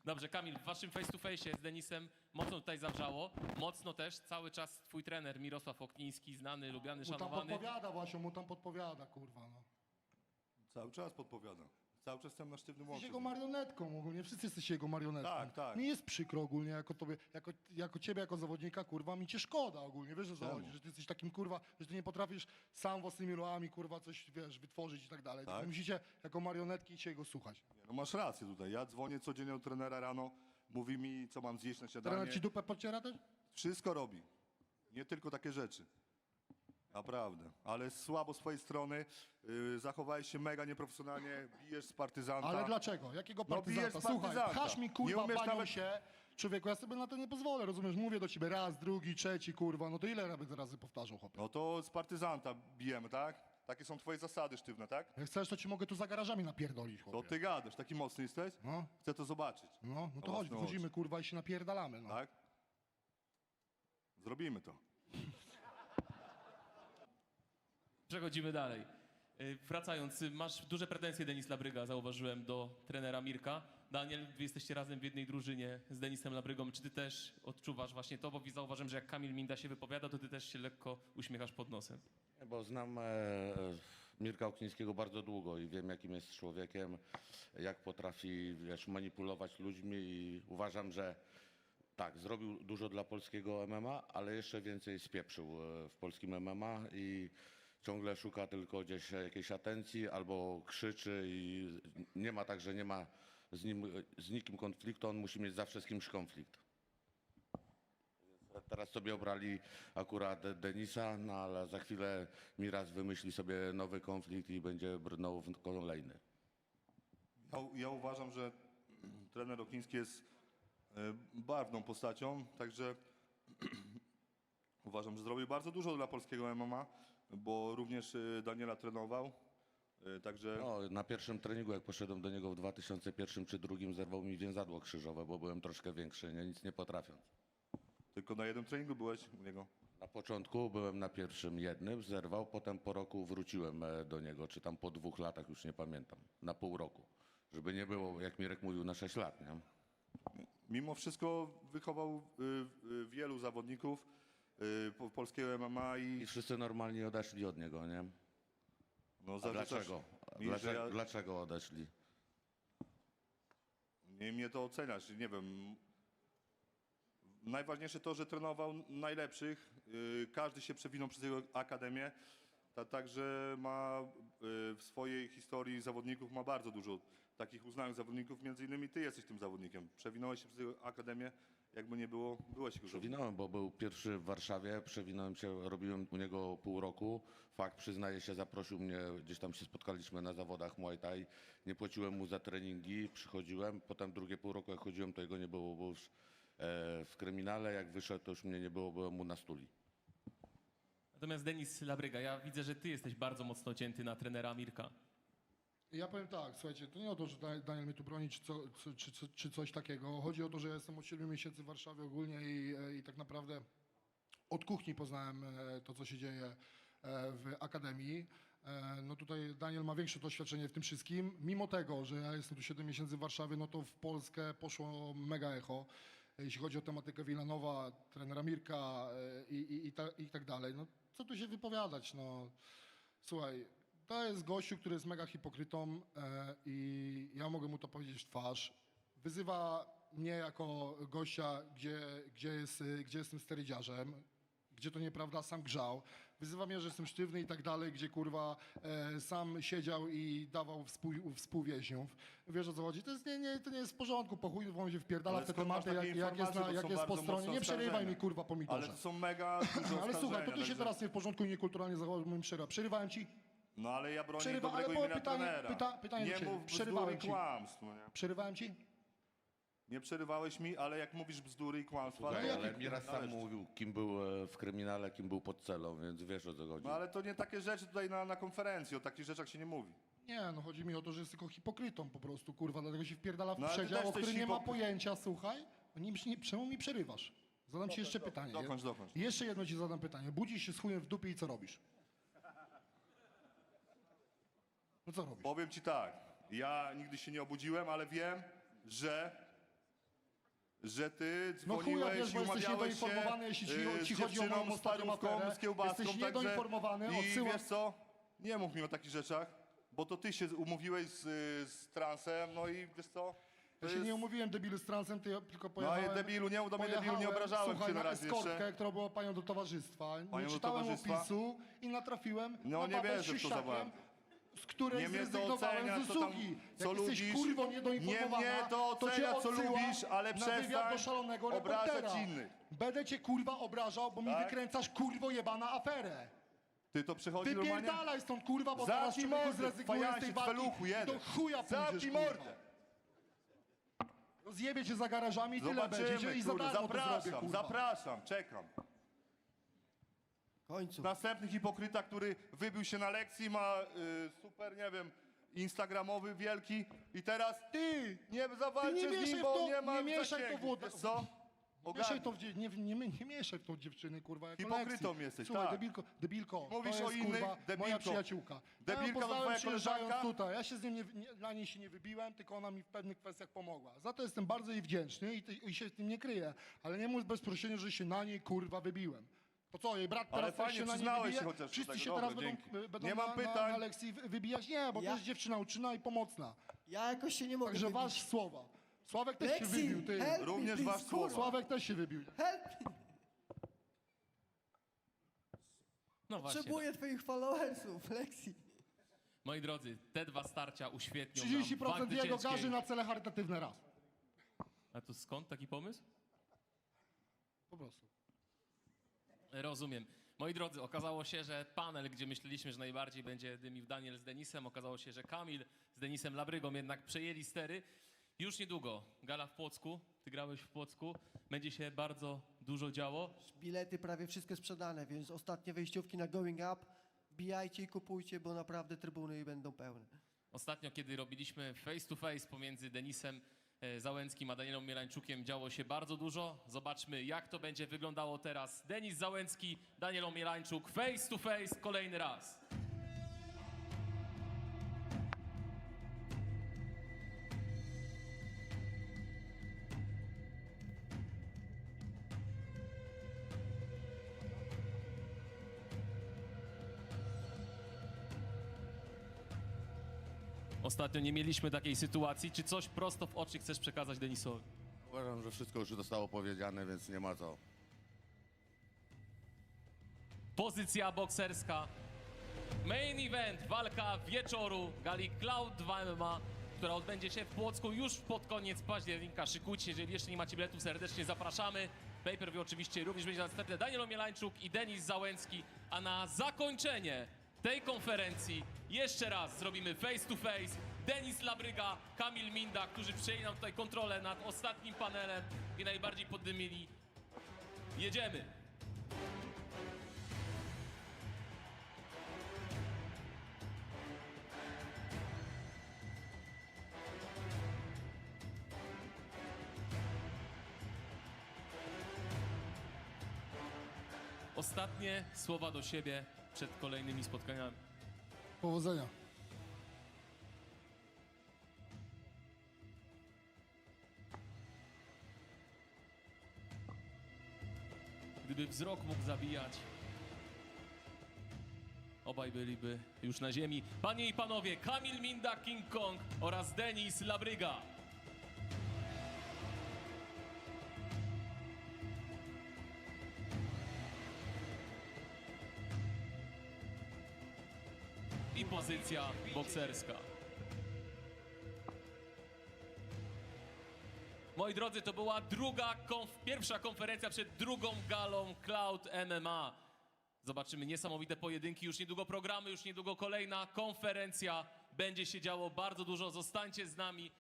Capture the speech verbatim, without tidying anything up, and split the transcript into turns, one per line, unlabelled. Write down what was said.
Dobrze, Kamil, w waszym face to face z Denisem mocno tutaj zawrzało. Mocno też cały czas twój trener Mirosław Okniński, znany, lubiany,
Mu tam
szanowany.
podpowiada właśnie, mu tam podpowiada, kurwa, no.
Cały czas podpowiada. Cały czas jestem na sztywnym
Jesteś
łączu.
jego marionetką ogólnie, wszyscy jesteście jego marionetką.
Tak, tak.
Mi jest przykro ogólnie, jako tobie, jako, jako ciebie, jako zawodnika, kurwa, mi cię szkoda ogólnie, wiesz o co
Czemu?
chodzi, że ty jesteś takim, kurwa, że ty nie potrafisz sam własnymi ruchami, kurwa, coś, wiesz, wytworzyć i tak dalej.
Tak?
Tylko musicie jako marionetki się jego słuchać.
No masz rację tutaj. Ja dzwonię codziennie do trenera rano, mówi mi, co mam zjeść na śniadanie.
Trener ci dupę podciera też?
Wszystko robi. Nie tylko takie rzeczy. Naprawdę. Ale słabo z twojej strony. Yy, zachowałeś się mega nieprofesjonalnie, bijesz z partyzanta.
Ale dlaczego? Jakiego
No,
partyzanta?
bijesz
Słuchaj,
partyzanta.
pchasz mi,
Nie
kurwa,
umiesz
banią
nawet-
się. Człowieku, ja sobie na to nie pozwolę, rozumiesz? Mówię do ciebie raz, drugi, trzeci, kurwa, no to ile razy razy powtarzał, chłopie?
No to z partyzanta bijemy, tak? Takie są twoje zasady sztywne, tak?
Jak chcesz, to ci mogę tu za garażami napierdolić,
To
chłopie.
ty gadasz, taki mocny jesteś?
No.
Chcę to zobaczyć.
No, no
Na
to chodź,
własne
wychodzimy,
oczy.
kurwa, i się napierdalamy, no.
Tak? Zrobimy to.
Przechodzimy dalej. Y, Wracając, y, masz duże pretensje, Denis Labryga, zauważyłem, do trenera Mirka. Daniel, wy jesteście razem w jednej drużynie z Denisem Labrygą. Czy ty też odczuwasz właśnie to? Bo zauważyłem, że jak Kamil Minda się wypowiada, to ty też się lekko uśmiechasz pod nosem.
Bo znam e, Mirka Oknińskiego bardzo długo i wiem, jakim jest człowiekiem, jak potrafi, wiesz, manipulować ludźmi i uważam, że tak, zrobił dużo dla polskiego M M A, ale jeszcze więcej spieprzył e, w polskim M M A i ciągle szuka tylko gdzieś jakiejś atencji albo krzyczy i nie ma tak, że nie ma z nim, z nikim konfliktu, on musi mieć zawsze z kimś konflikt. Teraz sobie obrali akurat Denisa, no ale za chwilę Miraz wymyśli sobie nowy konflikt i będzie brnął w kolejny.
Ja, ja uważam, że trener Okniński jest e, barwną postacią, także uważam, że zrobił bardzo dużo dla polskiego M M A, bo również e, Daniela trenował, e, także
No, na pierwszym treningu, jak poszedłem do niego w dwa tysiące pierwszym czy drugim, zerwał mi więzadło krzyżowe, bo byłem troszkę większy, nie, nic nie potrafiąc.
tylko na jednym treningu byłeś u niego.
Na początku byłem na pierwszym jednym, zerwał, potem po roku wróciłem e, do niego, czy tam po dwóch latach, już nie pamiętam, na pół roku. Żeby nie było, jak Mirek mówił, na sześć lat, nie?
Mimo wszystko wychował y, y, wielu zawodników y, po- polskiego M M A
I
i
wszyscy normalnie odeszli od niego, nie?
no,
A
zarzucasz
dlaczego?
mi, że
Dlaczego,
ja,
dlaczego odeszli?
nie mnie to oceniasz, nie wiem. Najważniejsze to, że trenował najlepszych. Yy, Każdy się przewinął przez jego akademię. Ta, także ma yy, w swojej historii zawodników ma bardzo dużo takich uznanych zawodników. Między innymi ty jesteś tym zawodnikiem. Przewinąłeś się przez jego akademię. Jakby nie było, byłeś jego zawodnikiem.
Przewinąłem, bo był pierwszy w Warszawie, przewinąłem się, robiłem u niego pół roku. Fakt, przyznaję się, zaprosił mnie, gdzieś tam się spotkaliśmy na zawodach Muay Thai. Nie płaciłem mu za treningi, przychodziłem. Potem drugie pół roku, jak chodziłem, to jego nie było, bo już e, w kryminale. Jak wyszedł, to już mnie nie było, byłem mu na stuli.
Natomiast Denis Labryga, ja widzę, że ty jesteś bardzo mocno cięty na trenera Mirka.
Ja powiem tak, słuchajcie, to nie o to, że Da- Daniel mnie tu broni, czy, co, co, czy, czy, czy coś takiego. Chodzi o to, że ja jestem od siedmiu miesięcy w Warszawie ogólnie i, e, i tak naprawdę od kuchni poznałem e, to, co się dzieje e, w Akademii. E, No tutaj Daniel ma większe doświadczenie w tym wszystkim. Mimo tego, że ja jestem tu siedem miesięcy w Warszawie, no to w Polskę poszło mega echo. Jeśli chodzi o tematykę Wilanowa, trenera Mirka e, i, i, i, ta, i tak dalej. No co tu się wypowiadać, no. Słuchaj, to jest gościu, który jest mega hipokrytą e, i ja mogę mu to powiedzieć w twarz. Wyzywa mnie jako gościa, gdzie, gdzie, jest, y, gdzie jestem sterydziarzem, gdzie to nieprawda, sam grzał. Wyzywa mnie, że jestem sztywny i tak dalej, gdzie kurwa e, sam siedział i dawał współ, współwięźniów. Wiesz o co chodzi? To, jest, nie, nie, to nie jest w porządku, po chuj on się wpierdala
Ale
w te
skąd masz
tematy,
takie
jak, jak jest,
informacje,
na,
bo
jak
są
jest po
bardzo
stronie.
mocne
Nie przerywaj
oskarżenia.
mi kurwa pomidorze.
Ale to są mega duże
Ale słuchaj, to ty się
także-
teraz nie w porządku i niekulturalnie zachowałeś moim przerywa. Przerywałem ci?
No ale ja bronię
Przerywa-
dobrego
ale było
imienia
pytanie-
trenera.
pyta- pytanie do
nie
ciebie.
mów bzdur
Przerywałem
i
ci.
kłamstw. No nie?
Przerywałem ci?
nie przerywałeś mi, ale jak mówisz bzdury i kłamstwa,
Słuchaj,
to
ale
jakie-
Miraz sam
należy.
mówił, kim był e, w kryminale, kim był pod celą, więc wiesz, o co chodzi.
No ale to nie takie rzeczy tutaj na, na konferencji, o takich rzeczach się nie mówi.
Nie, no chodzi mi o to, że jest tylko hipokrytą po prostu, kurwa, dlatego się wpierdala w
No, ale ty
przedział,
też
o którym
jesteś
nie ma
hipokry-
pojęcia, słuchaj. Nie, nie, czemu mi przerywasz? Zadam ci jeszcze pytanie.
dokończ, dokończ.
Jeszcze jedno ci zadam pytanie. Budzisz się z chujem w dupie i co robisz? No co robisz?
Powiem ci tak, ja nigdy się nie obudziłem, ale wiem, że że ty
No chuja,
dzwoniłeś
wiesz,
i
bo jesteś
umawiałeś się
niedoinformowany, jeśli ci,
y,
ci
z
chodzi o moją
dziewczyną, z
ostatnią
parówką,
aferę.
z kiełbaską,
Jesteś
także...
niedoinformowany,
I
odsyłam...
wiesz co? Nie mów mi o takich rzeczach, bo to ty się umówiłeś z, z transem, no i wiesz co? To
Ja się nie umówiłem debilu z transem, ty, tylko
No
pojechałem...
i debilu, nie, do mnie debilu,
pojechałem,
nie obrażałem
słuchaj,
cię na
na
razie
eskortkę,
jeszcze.
która była panią do towarzystwa.
Panią
Nie
do
czytałem
towarzystwa?
opisu i natrafiłem
No
na
nie
babę z
wierzę w to za
siusiakiem,
bardzo.
z której
Nie mnie to
zrezygnowałem
ocenia,
z
co tam,
usługi.
co
Jak jesteś
lubisz.
kurwo
Nie
niedoinformowana,
mnie to
to cię
ocenia, co
odsyłam
lubisz, ale
na wywiad
przestań
do szalonego
obrażać
reportera.
innych.
Będę cię kurwa obrażał, bo mi
Tak?
wykręcasz kurwo jebana aferę.
Ty to przychodzi normalnie?
Wypierdalaj stąd kurwa, bo zaraz
Zamknij
człowieku
mordę,
zrezygnujesz z tej
fajansie,
walki
feluchu
i
jeden.
do chuja pójdziesz
Zamknij
kurwa.
mordę.
Rozjebie cię za garażami i tyle będzie.
Zobaczymy,
I za
kurde,
darmo to zrobię,
zapraszam,
kurwa.
zapraszam, czekam.
W końcu.
Następny hipokryta, który wybił się na lekcji, ma y, super, nie wiem, instagramowy wielki i teraz ty nie zawalczę
nie
z
mieszaj
nim,
w
bo
to-
nie ma
nie mieszaj w to
zasięgu.
wódę.
Wiesz co?
Mieszaj
Ogarnij.
to w, dzie- nie, nie, nie, nie mieszaj w tą dziewczyny, kurwa, jako
Hipokrytą
lekcji.
jesteś,
Słuchaj,
tak.
debilko, debilko,
Mówisz
to
o
jest,
innych,
kurwa,
debilko.
moja przyjaciółka.
Debilka
ja ją
to
poznałem
twoja
przyjeżdżając
koleżanka?
tutaj. Ja się z nią nie, nie, na niej się nie wybiłem, tylko ona mi w pewnych kwestiach pomogła. Za to jestem bardzo jej wdzięczny i, ty, i się z tym nie kryję. Ale nie mów bez prosienia, że się na niej, kurwa, wybiłem. To co, jej brat
Ale
teraz też
fajnie,
się na niej
przyznałeś
wybije?
się chociaż do
Wszyscy
tego.
się
Dobra,
teraz
dzięki.
będą, będą
Nie mam
na,
pytań.
na, na lekcji wy- wybijać? Nie, bo
Ja-
to jest dziewczyna uczynna i pomocna.
Ja jakoś się nie mogę
Także
wybić.
wasz słowa. Sławek też się
Lexi,
wybił, ty.
help
Również
me,
wasz
please,
słowa.
kurwa.
Sławek też się wybił.
Help me.
No właśnie.
Potrzebuję twoich followersów, Lexi.
Moi drodzy, te dwa starcia uświetnią
trzydzieści
nam
procent
walk
jego
zwycięskiej.
garzy na cele charytatywne raz.
A to skąd taki pomysł?
Po prostu.
Rozumiem. Moi drodzy, okazało się, że panel, gdzie myśleliśmy, że najbardziej będzie dymił Daniel z Denisem, okazało się, że Kamil z Denisem Labrygą jednak przejęli stery. Już niedługo gala w Płocku, ty grałeś w Płocku, będzie się bardzo dużo działo.
Bilety prawie wszystkie sprzedane, więc ostatnie wejściówki na Going Up. Bijajcie i kupujcie, bo naprawdę trybuny będą pełne.
Ostatnio, kiedy robiliśmy face to face pomiędzy Denisem e, Załęckim a Danielem Mielańczukiem, działo się bardzo dużo. Zobaczmy, jak to będzie wyglądało teraz. Denis Załęcki, Daniel Mielańczuk, face to face kolejny raz. Ostatnio nie mieliśmy takiej sytuacji. Czy coś prosto w oczy chcesz przekazać Denisowi?
Uważam, że wszystko już zostało powiedziane, więc nie ma co.
Pozycja bokserska. Main event, walka wieczoru gali Cloud dwa M M A, która odbędzie się w Płocku już pod koniec października. Szykujcie się, jeżeli jeszcze nie macie biletów, serdecznie zapraszamy. Pay-per-view oczywiście również będzie następny. Daniel Mielańczuk i Denis Załęcki. A na zakończenie tej konferencji jeszcze raz zrobimy face to face. Denis Labryga, Kamil Minda, którzy przejęli nam tutaj kontrolę nad ostatnim panelem i najbardziej poddymili. Jedziemy! Ostatnie słowa do siebie przed kolejnymi spotkaniami.
Powodzenia.
Gdyby wzrok mógł zabijać, obaj byliby już na ziemi. Panie i panowie, Kamil Minda, King Kong oraz Denis Labryga. I pozycja bokserska. Moi drodzy, to była druga konf- pierwsza konferencja przed drugą galą Cloud M M A. Zobaczymy niesamowite pojedynki, już niedługo programy, już niedługo kolejna konferencja. Będzie się działo bardzo dużo, zostańcie z nami.